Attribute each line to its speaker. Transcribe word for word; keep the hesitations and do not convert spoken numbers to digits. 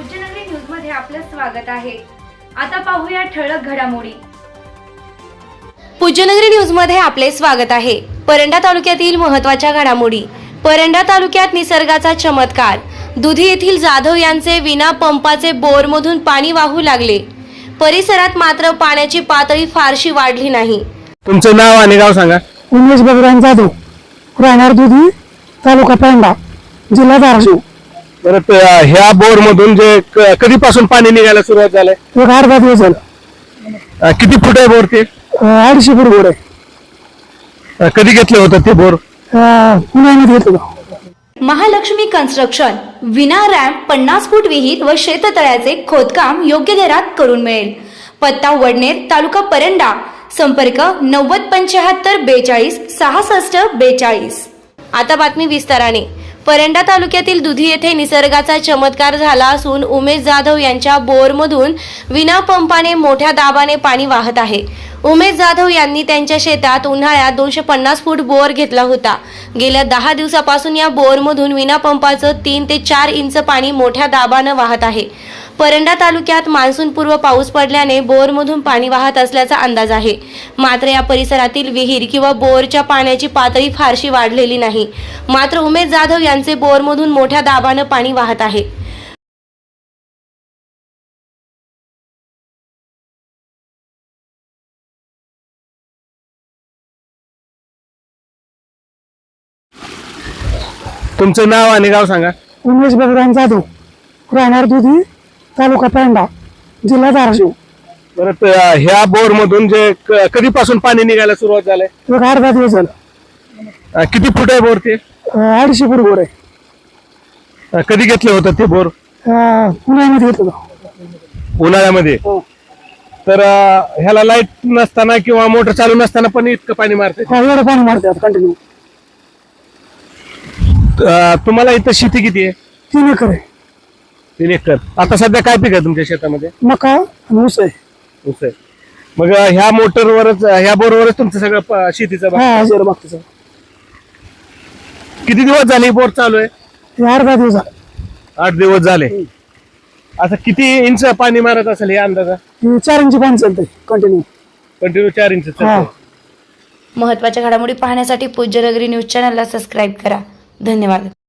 Speaker 1: Pujyanagari news मध्ये आपलं स्वागत आहे। आता पाहूया ठळक घडामोडी। पूज्यनगरी न्यूज मध्ये आपले स्वागत आहे। परंडा तालुक्यातील महत्त्वाच्या घडामोडी। परंडा तालुक्यात निसर्गाचा चमत्कार। दुधी येथील जाधव यांचे विना पंपाचे बोरमधून पाणी वाहू लागले। परिसरात मात्र पाण्याची पातळी फारशी वाढली नाही।
Speaker 2: तुमचं नाव आणि गाव सांगा।
Speaker 3: उमेश भगवान जाधव, राहणार दुधी, तालुका परंडा, जिल्हा धाराशिव।
Speaker 2: परत ह्या बोर मधून जे क- कधीपासून पाणी निघायला सुरुवात झालंय?
Speaker 3: एक अर्धा दिवस झाला।
Speaker 2: अं, किती फूट आहे बोर ते?
Speaker 3: अं, अडीचशे फूट गोड आहे।
Speaker 2: अं, कधी घेतलं होतं ते बोर?
Speaker 3: अं, पुण्यामध्ये घेतलं होतं।
Speaker 1: महालक्ष्मी कन्स्ट्रक्शन विना रॅम्प पन्नास फूट विहीर व शेततळ्याचे खोदकाम योग्य दरात करून मिळेल। पत्ता वडनेर, तालुका परंडा। संपर्क नव्वद पंच्याहत्तर बेचाळीस सहासष्ट बेचाळीस। आता बातमी विस्ताराने। परंडा तालुक्यातील दुधी येथे निसर्गाचा चमत्कार झाला असून उमेश जाधव यांच्या बोरमधून विना पंपाने मोठ्या दाबाने पाणी वाहत आहे। उमेश जाधव यांनी त्यांच्या शेतात उन्हाळ्यात दोनशे पन्नास फूट बोर घेतला होता। गेल्या दहा दिवसापासून या बोरमधून विना पंपाचं तीन ते चार इंच पाणी मोठ्या दाबानं वाहत आहे। परंडा तालुक्यात मान्सूनपूर्व पाऊस पडल्याने बोरमधून पाणी वाहत असल्याचा अंदाज आहे। मात्र या परिसरातील विहीर किंवा बोरच्या पाण्याची पातळी फारशी वाढलेली नाही। मात्र उमेश जाधव यांचे बोरमधून मोठ्या दाबानं पाणी वाहत आहे।
Speaker 2: तुमचं नाव आणि गाव सांगा।
Speaker 3: उमेश भगवान जाधव, राहणार दुधी, तालुका परंडा, जिल्हा धाराशिव।
Speaker 2: परत अं, ह्या बोर मधून जे क- कधीपासून पाणी निघायला सुरुवात झालंय?
Speaker 3: एक अर्धा दिवस झाला।
Speaker 2: अं, किती फूट आहे बोर ते?
Speaker 3: अं, अडीचशे फूट गोड आहे।
Speaker 2: अं, कधी घेतलं होतं ते बोर?
Speaker 3: अं, पुण्यामध्ये घेतलं होतं।
Speaker 2: उन्हाळ्यामध्ये। तर अं, ह्याला लाईट नसताना किंवा मोटर चालू नसताना पण इतकं पाणी मारते?
Speaker 3: हा, एवढं पाणी मारतात कंटिन्यू।
Speaker 2: तुम्हाला इथं शेती किती आहे?
Speaker 3: तीन एकर आहे।
Speaker 2: तीन एकर। आता सध्या काय पीक आहे तुमच्या शेतामध्ये?
Speaker 3: मका आणि ऊस आहे।
Speaker 2: ऊस आहे। मग अं, ह्या मोटरवरच ह्या बोरवरच तुमचं सगळं प- शेतीचं बा-
Speaker 3: हा हजार मागचं
Speaker 2: किती दिवस झाले बोर चालू आहे?
Speaker 3: हे अर्धा दिवस झाला।
Speaker 2: आठ दिवस झाले। आता किती इंच पाणी मारत असेल हे अंदाजा?
Speaker 3: हे चार इंची पाणी चालतंय कंटिन्यू।
Speaker 2: कंटिन्यू चार इंच चालतंय।
Speaker 3: हा।
Speaker 1: महत्त्वाच्या घडामोडी पाहण्यासाठी पूज्यनगरी न्यूज चॅनलला सबस्क्राईब करा। धन्यवाद।